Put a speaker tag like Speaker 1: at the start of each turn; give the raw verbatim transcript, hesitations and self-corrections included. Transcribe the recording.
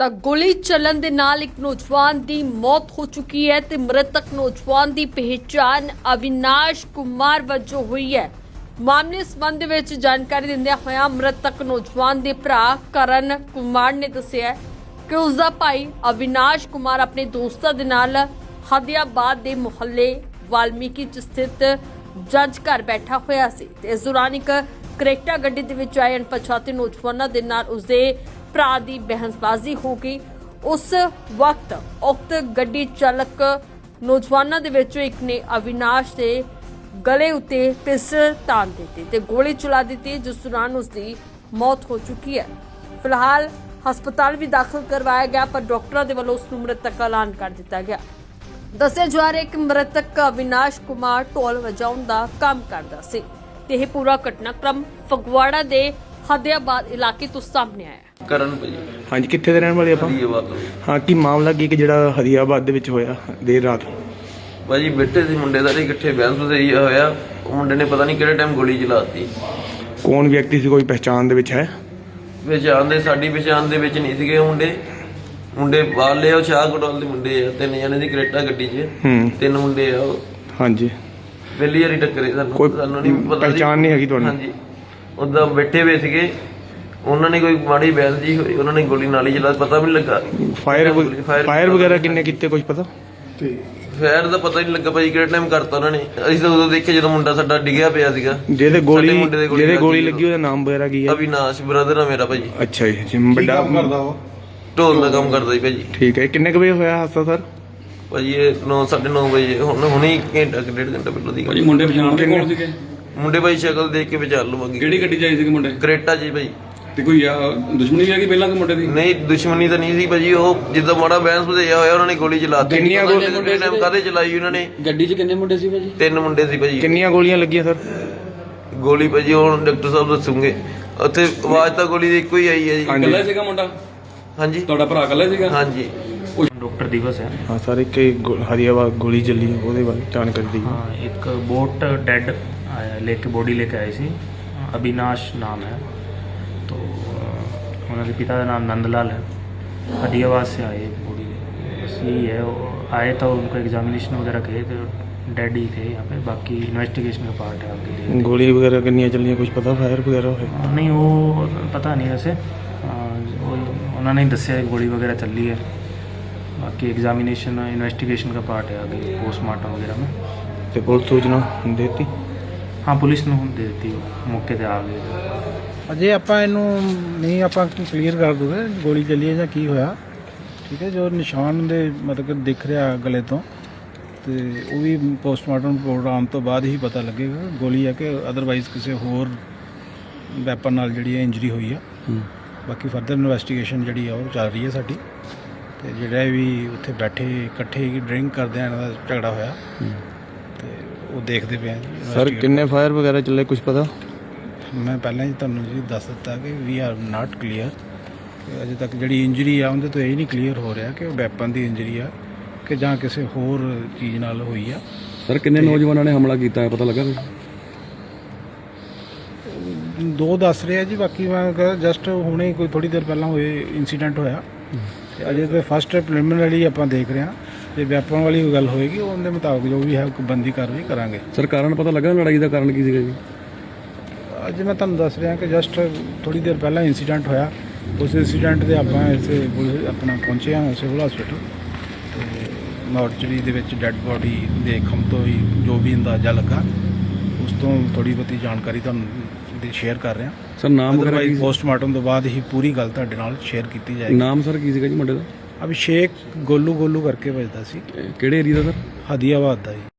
Speaker 1: ਤਾਂ ਗੋਲੀ ਚੱਲਣ ਦੇ ਨਾਲ ਇੱਕ ਨੌਜਵਾਨ ਦੀ ਮੌਤ ਹੋ ਚੁੱਕੀ ਹੈ ਤੇ ਮ੍ਰਿਤਕ ਨੌਜਵਾਨ ਦੀ ਪਹਿਚਾਣ ਅਵਿਨਾਸ਼ ਕੁਮਾਰ ਵਜੋਂ ਹੋਈ ਹੈ। ਮਾਮਲੇ ਸੰਬੰਧ ਵਿੱਚ ਜਾਣਕਾਰੀ ਦਿੰਦਿਆਂ ਹੋਇਆਂ ਮ੍ਰਿਤਕ ਨੌਜਵਾਨ ਦੇ ਭਰਾ ਕਰਨ ਕੁਮਾਰ ਨੇ ਦੱਸਿਆ ਕਿ ਉਸ ਦਾ ਭਾਈ ਅਵਿਨਾਸ਼ ਕੁਮਾਰ ਆਪਣੇ ਦੋਸਤਾਂ ਦੇ ਨਾਲ ਹਦੀਆਬਾਦ ਦੇ ਮੁਹੱਲੇ ਵਾਲਮੀਕੀ ਚ ਸਥਿਤ ਜੱਜ ਘਰ ਬੈਠਾ ਹੋਇਆ ਸੀ ਤੇ ਇਸ ਦੌਰਾਨ ਇੱਕ ਕਰੇਟਾ ਗੱਡੀ ਦੇ ਵਿੱਚ ਆਏ ਅਣਪਛਾਤੇ ਨੌਜਵਾਨਾਂ ਦੇ ਨਾਲ ਉਸਦੇ ਭਰਾ ਦੀ ਬਹਿਸਬਾਜ਼ੀ ਹੋ ਗਈ। ਉਸ ਵਕਤ ਉਕਤ ਗੱਡੀ ਚਾਲਕ ਨੌਜਵਾਨਾਂ ਦੇ ਵਿੱਚੋਂ ਇੱਕ ਨੇ ਅਵਿਨਾਸ਼ ਦੇ ਗਲੇ ਉੱਤੇ ਪਿਸਟਲ ਤਾਣ ਦਿੱਤੀ ਤੇ ਗੋਲੀ ਚਲਾ ਦਿੱਤੀ, ਜਿਸ ਦੌਰਾਨ ਉਸ ਦੀ ਮੌਤ ਹੋ ਚੁੱਕੀ ਹੈ। ਫਿਲਹਾਲ ਹਸਪਤਾਲ ਵੀ ਦਾਖਲ ਕਰਵਾਇਆ ਗਿਆ ਪਰ ਡਾਕਟਰਾਂ ਦੇ ਵੱਲੋਂ ਉਸ ਨੂੰ ਮ੍ਰਿਤਕ ਐਲਾਨ ਕਰ ਦਿੱਤਾ ਗਿਆ। ਦੱਸਿਆ ਜਾ ਰਿਹਾ ਹੈ ਕਿ ਮ੍ਰਿਤਕ ਅਵਿਨਾਸ਼ ਕੁਮਾਰ ਢੋਲ ਵਜਾਉਣ ਦਾ ਕੰਮ ਕਰਦਾ ਸੀ ਤੇ ਇਹ ਪੂਰਾ ਘਟਨਾਕ੍ਰਮ ਫਗਵਾੜਾ ਦੇ ਹਦੀਆਬਾਦ ਇਲਾਕੇ ਤੋਂ ਸਾਹਮਣੇ ਆਇਆ।
Speaker 2: ਕਰਨ ਭਾਜੀ
Speaker 3: ਹਾਂਜੀ, ਕਿੱਥੇ ਦੇ ਰਹਿਣ ਵਾਲੇ ਆਪਾਂ?
Speaker 2: ਹਦੀਆਬਾਦ ਤੋਂ।
Speaker 3: ਹਾਂ, ਕੀ ਮਾਮਲਾ ਕੀ ਕਿ ਜਿਹੜਾ ਹਦੀਆਬਾਦ ਦੇ ਵਿੱਚ ਹੋਇਆ ਦੇਰ ਰਾਤ?
Speaker 2: ਭਾਜੀ ਬੈਠੇ ਸੀ ਮੁੰਡੇ ਸਾਰੇ ਇਕੱਠੇ, ਬਹਿਸ ਬਸਈਆ ਹੋਇਆ। ਉਹ ਮੁੰਡੇ ਨੇ ਪਤਾ ਨਹੀਂ ਕਿਹੜੇ ਟਾਈਮ ਗੋਲੀ ਚਲਾਤੀ।
Speaker 3: ਕੌਣ ਵਿਅਕਤੀ ਸੀ, ਕੋਈ ਪਹਿਚਾਣ ਦੇ ਵਿੱਚ ਹੈ?
Speaker 2: ਪਛਾਣ ਦੇ ਸਾਡੀ ਪਛਾਣ ਦੇ ਵਿੱਚ ਨਹੀਂ ਸੀਗੇ ਮੁੰਡੇ। ਮੁੰਡੇ ਬਾਹਰਲੇ ਉਹ ਸ਼ਾਹ ਕੋਟਵਾਲ ਦੇ ਮੁੰਡੇ ਆ, ਤਿੰਨ ਜਣੇ ਦੀ ਕਰੇਟਾ ਗੱਡੀ 'ਚ
Speaker 3: ਹੂੰ
Speaker 2: ਤਿੰਨ ਮੁੰਡੇ ਆ ਉਹ।
Speaker 3: ਹਾਂਜੀ,
Speaker 2: ਪਹਿਲੀ ਵਾਰੀ ਟੱਕਰੇ ਸਾਨੂੰ,
Speaker 3: ਕੋਈ
Speaker 2: ਸਾਨੂੰ ਨਹੀਂ ਪਤਾ ਸੀ।
Speaker 3: ਪਹਿਚਾਣ ਨਹੀਂ ਹੈਗੀ ਤੁਹਾਨੂੰ?
Speaker 2: ਹਾਂਜੀ, ਉੱਦਾਂ ਬੈਠੇ ਹੋਏ ਸੀਗੇ, ਉਹਨਾਂ ਨੇ ਕੋਈ ਮਾੜੀ ਬਹਿਸ ਜੀ ਹੋਈ, ਉਹਨਾਂ ਨੇ ਗੋਲੀ ਨਾਲ ਹੀ ਚਲਾ, ਪਤਾ ਵੀ ਨਹੀਂ ਲੱਗਾ।
Speaker 3: ਫਾਇਰ ਫਾਇਰ ਵਗੈਰਾ ਕਿੰਨੇ ਕੀਤੇ ਕੁਝ ਪਤਾ?
Speaker 2: ਫਾਇਰ ਦਾ ਪਤਾ ਹੀ ਨਹੀਂ ਲੱਗਾ ਭਾਜੀ ਕਿਹੜੇ ਟਾਈਮ ਕਰਤਾ ਉਹਨਾਂ ਨੇ। ਅਸੀਂ ਤਾਂ ਉਦੋਂ ਦੇਖਿਆ ਜਦੋਂ ਮੁੰਡਾ ਸਾਡਾ ਡਿੱਗਿਆ ਪਿਆ ਸੀਗਾ।
Speaker 3: ਜਿਹਦੇ ਗੋਲੀ
Speaker 2: ਸਾਡੇ ਮੁੰਡੇ ਦੇ ਗੋਲੀ
Speaker 3: ਜਿਹਦੇ ਗੋਲੀ
Speaker 2: ਲੱਗੀ
Speaker 3: ਲੱਗੀ ਉਹਦਾ ਨਾਮ ਵਗੈਰਾ ਕੀ ਹੈ?
Speaker 2: ਅਵਿਨਾਸ਼ ਬ੍ਰਦਰ ਆ ਮੇਰਾ ਭਾਜੀ।
Speaker 3: ਅੱਛਾ ਜੀ, ਜੀ ਵੱਡਾ
Speaker 2: ਢੋਲ ਦਾ ਕੰਮ ਕਰਦਾ ਜੀ ਭਾਜੀ।
Speaker 3: ਠੀਕ ਹੈ। ਕਿੰਨੇ ਕੁ ਵਜੇ ਹੋਇਆ ਹਾਦਸਾ ਸਰ?
Speaker 2: ਭਾਜੀ ਇਹ ਨੌ ਸਾਢੇ ਨੌ ਵਜੇ, ਹੁਣ ਹੁਣੇ ਘੰਟਾ ਕੁ ਡੇਢ ਘੰਟਾ ਪਹਿਲਾਂ ਦੀ ਗੱਲ।
Speaker 4: ਭਾਜੀ ਮੁੰਡੇ ਪਛਾਣ ਦੇ ਕੌਣ ਸੀਗੇ?
Speaker 2: ਮੁੰਡੇ ਭਾਈ ਸ਼ਕਲ ਦੇਖ ਕੇ ਵਿਚਾਰ ਲਵਾਂਗੇ।
Speaker 4: ਕਿਹੜੀ ਗੱਡੀ ਚਾਹੀ ਸੀਗੇ ਮੁੰਡੇ?
Speaker 2: ਕਰੇਟਾ ਜੀ ਭਾਈ।
Speaker 4: ਤੇ ਕੋਈ ਆ ਦੁਸ਼ਮਣੀ ਵੀ ਹੈਗੀ ਪਹਿਲਾਂ ਕਿ ਮੁੰਡੇ ਦੀ?
Speaker 2: ਨਹੀਂ ਦੁਸ਼ਮਣੀ ਤਾਂ ਨਹੀਂ ਸੀ ਭਾਜੀ, ਉਹ ਜਿੱਦਾਂ ਮਾੜਾ ਬੈਂਸ ਵਧਿਆ ਹੋਇਆ ਉਹਨਾਂ ਨੇ ਗੋਲੀ ਚਲਾਤੀ।
Speaker 3: ਕਿੰਨੀਆਂ ਗੋਲੀਆਂ
Speaker 2: ਟਾਈਮ ਕਾਹਦੇ ਚਲਾਈ ਉਹਨਾਂ ਨੇ?
Speaker 4: ਗੱਡੀ 'ਚ ਕਿੰਨੇ ਮੁੰਡੇ ਸੀ ਭਾਜੀ?
Speaker 2: ਤਿੰਨ ਮੁੰਡੇ ਸੀ ਭਾਜੀ।
Speaker 3: ਕਿੰਨੀਆਂ ਗੋਲੀਆਂ ਲੱਗੀਆਂ ਸਰ?
Speaker 2: ਗੋਲੀ ਭਾਜੀ ਹੁਣ ਡਾਕਟਰ ਸਾਹਿਬ ਦੱਸੂਗੇ। ਉੱਥੇ ਆਵਾਜ਼ ਤਾਂ ਗੋਲੀ ਦੀ ਇੱਕੋ ਹੀ ਆਈ ਹੈ ਜੀ।
Speaker 4: ਇਕੱਲਾ ਹੀ ਸੀਗਾ ਮੁੰਡਾ?
Speaker 2: ਹਾਂਜੀ
Speaker 4: ਤੁਹਾਡਾ ਭਰਾ ਇਕੱਲਾ ਹੀ ਸੀਗਾ?
Speaker 2: ਹਾਂਜੀ।
Speaker 5: डॉक्टर दिवस है।
Speaker 3: हाँ सर, एक हरियाबाद गोली चली ਉਹਦੇ ਬਾਰੇ ਜਾਣਕਾਰੀ दी।
Speaker 5: हाँ, एक बोट डेड लेके बॉडी लेके आए सी, अविनाश नाम है। तो उन्होंने पिता का नाम नंदलाल है। हदियाबाद से आए बॉडी, बस यही है। वो आए तो उनको एग्जामिनेशन वगैरह किए तो डेड ही थे यहाँ पे। बाकी इन्वेस्टिगेशन का पार्ट है आपके लिए।
Speaker 3: गोली वगैरह कितनी चलियाँ कुछ पता? फायर वगैरह है?
Speaker 5: नहीं वो पता नहीं वैसे, वो उन्होंने ही दसिया गोली वगैरह चल रही है। बाकी एग्जामिनेशन इन्वेस्टिगेशन का पार्ट है आगे पोस्टमार्टम वगैरह में।
Speaker 3: तो पुलिस सूचना देती?
Speaker 5: हाँ, पुलिस ने दे दी, मौके पे आ गए।
Speaker 6: ਅਜੇ ਆਪਾਂ ਇਹਨੂੰ ਨਹੀਂ ਆਪਾਂ ਕਲੀਅਰ ਕਰ ਦੂਗੇ ਗੋਲੀ ਚੱਲੀ ਹੈ ਜਾਂ ਕੀ ਹੋਇਆ। ਠੀਕ ਹੈ, ਜੋ ਨਿਸ਼ਾਨ ਦੇ ਮਤਲਬ ਕਿ ਦਿਖ ਰਿਹਾ ਗਲੇ ਤੋਂ, ਤੇ ਉਹ ਵੀ ਪੋਸਟਮਾਰਟਮ ਰਿਪੋਰਟ ਆਉਣ ਤੋਂ ਬਾਅਦ ਹੀ ਪਤਾ ਲੱਗੇਗਾ ਗੋਲੀ ਹੈ ਕਿ ਅਦਰਵਾਈਜ਼ ਕਿਸੇ ਹੋਰ ਵੈਪਨ ਨਾਲ ਜਿਹੜੀ ਹੈ ਇੰਜਰੀ ਹੋਈ ਆ। ਬਾਕੀ ਫਰਦਰ ਇਨਵੈਸਟੀਗੇਸ਼ਨ ਜਿਹੜੀ ਆ ਉਹ ਚੱਲ ਰਹੀ ਹੈ ਸਾਡੀ। ਤੇ ਜਿਹੜਾ ਵੀ ਉੱਥੇ ਬੈਠੇ ਇਕੱਠੇ ਡਰਿੰਕ ਕਰਦੇ ਆ, ਇਹਨਾਂ ਦਾ ਝਗੜਾ ਹੋਇਆ ਤੇ ਉਹ ਦੇਖਦੇ ਪਏ ਆ ਜੀ।
Speaker 3: ਸਰ ਕਿੰਨੇ ਫਾਇਰ ਵਗੈਰਾ ਚੱਲੇ ਕੁਝ ਪਤਾ?
Speaker 6: ਮੈਂ ਪਹਿਲਾਂ ਹੀ ਤੁਹਾਨੂੰ ਜੀ ਦੱਸ ਦਿੱਤਾ ਕਿ ਵੀ ਆਰ ਨਾਟ ਕਲੀਅਰ। ਅਜੇ ਤੱਕ ਜਿਹੜੀ ਇੰਜਰੀ ਆ ਉਹਦੇ ਤੋਂ ਇਹ ਨਹੀਂ ਕਲੀਅਰ ਹੋ ਰਿਹਾ ਕਿ ਉਹ ਵੈਪਨ ਦੀ ਇੰਜਰੀ ਆ ਕਿ ਜਾਂ ਕਿਸੇ ਹੋਰ ਚੀਜ਼ ਨਾਲ ਹੋਈ ਆ।
Speaker 4: ਸਰ ਕਿੰਨੇ ਨੌਜਵਾਨਾਂ ਨੇ ਹਮਲਾ ਕੀਤਾ ਹੈ ਪਤਾ ਲੱਗਾ?
Speaker 6: ਦੋ ਦੱਸ ਰਹੇ ਆ ਜੀ, ਬਾਕੀ ਮੈਂ ਜਸਟ ਹੁਣੇ ਕੋਈ ਥੋੜੀ ਦੇਰ ਪਹਿਲਾਂ ਹੋਏ ਇਨਸੀਡੈਂਟ ਹੋਇਆ ਤੇ ਅਜੇ ਤਾਂ ਫਸਟ ਪ੍ਰੀਲਿਮਿਨਰੀ ਆਪਾਂ ਦੇਖ ਰਹੇ ਹਾਂ। ਜੇ ਵੈਪਨ ਵਾਲੀ ਗੱਲ ਹੋਏਗੀ ਉਹਦੇ ਮੁਤਾਬਕ ਜੋ ਵੀ ਹੈ ਬੰਦੀ ਕਾਰਵਾਈ ਕਰਾਂਗੇ।
Speaker 4: ਸਰ ਕਾਰਨ ਪਤਾ ਲੱਗਾ ਲੜਾਈ ਦਾ ਕਾਰਨ ਕੀ ਸੀਗਾ ਜੀ?
Speaker 6: ਅੱਜ ਮੈਂ ਤੁਹਾਨੂੰ ਦੱਸ ਰਿਹਾ ਕਿ ਜਸਟ ਥੋੜੀ ਦੇਰ ਪਹਿਲਾਂ ਇਨਸੀਡੈਂਟ ਹੋਇਆ। ਉਸ ਇਨਸੀਡੈਂਟ ਦੇ ਆਪਾਂ ਇੱਥੇ ਆਪਣਾ ਪਹੁੰਚੇ ਹਾਂ ਸਿਵਲ ਹਸਪੀਟਲ ਤੇ ਮੋਰਚਰੀ ਦੇ ਵਿੱਚ ਡੈੱਡ ਬੋਡੀ ਦੇਖਣ ਤੋਂ ਹੀ ਜੋ ਵੀ ਅੰਦਾਜ਼ਾ ਲੱਗਾ, ਉਸ ਤੋਂ ਥੋੜੀ ਬਹੁਤੀ ਜਾਣਕਾਰੀ ਤੁਹਾਨੂੰ ਸ਼ੇਅਰ ਕਰ ਰਿਹਾ।
Speaker 4: ਸਰ ਨਾਮ ਵਗੈਰਾ ਕੀ?
Speaker 6: ਪੋਸਟਮਾਰਟਮ ਤੋਂ ਬਾਅਦ ਹੀ ਪੂਰੀ ਗੱਲ ਤੁਹਾਡੇ ਨਾਲ ਸ਼ੇਅਰ ਕੀਤੀ ਜਾਏਗੀ।
Speaker 4: ਨਾਮ ਸਰ ਕੀ ਸੀਗਾ ਜੀ ਮੁੰਡੇ ਦਾ?
Speaker 6: ਅਭਿਸ਼ੇਕ ਗੋਲੂ ਗੋਲੂ ਕਰਕੇ ਵੱਜਦਾ ਸੀ।
Speaker 4: ਕਿਹੜੇ ਏਰੀਆ ਦਾ ਸਰ?
Speaker 6: ਹਦੀਆਬਾਦ ਦਾ ਜੀ।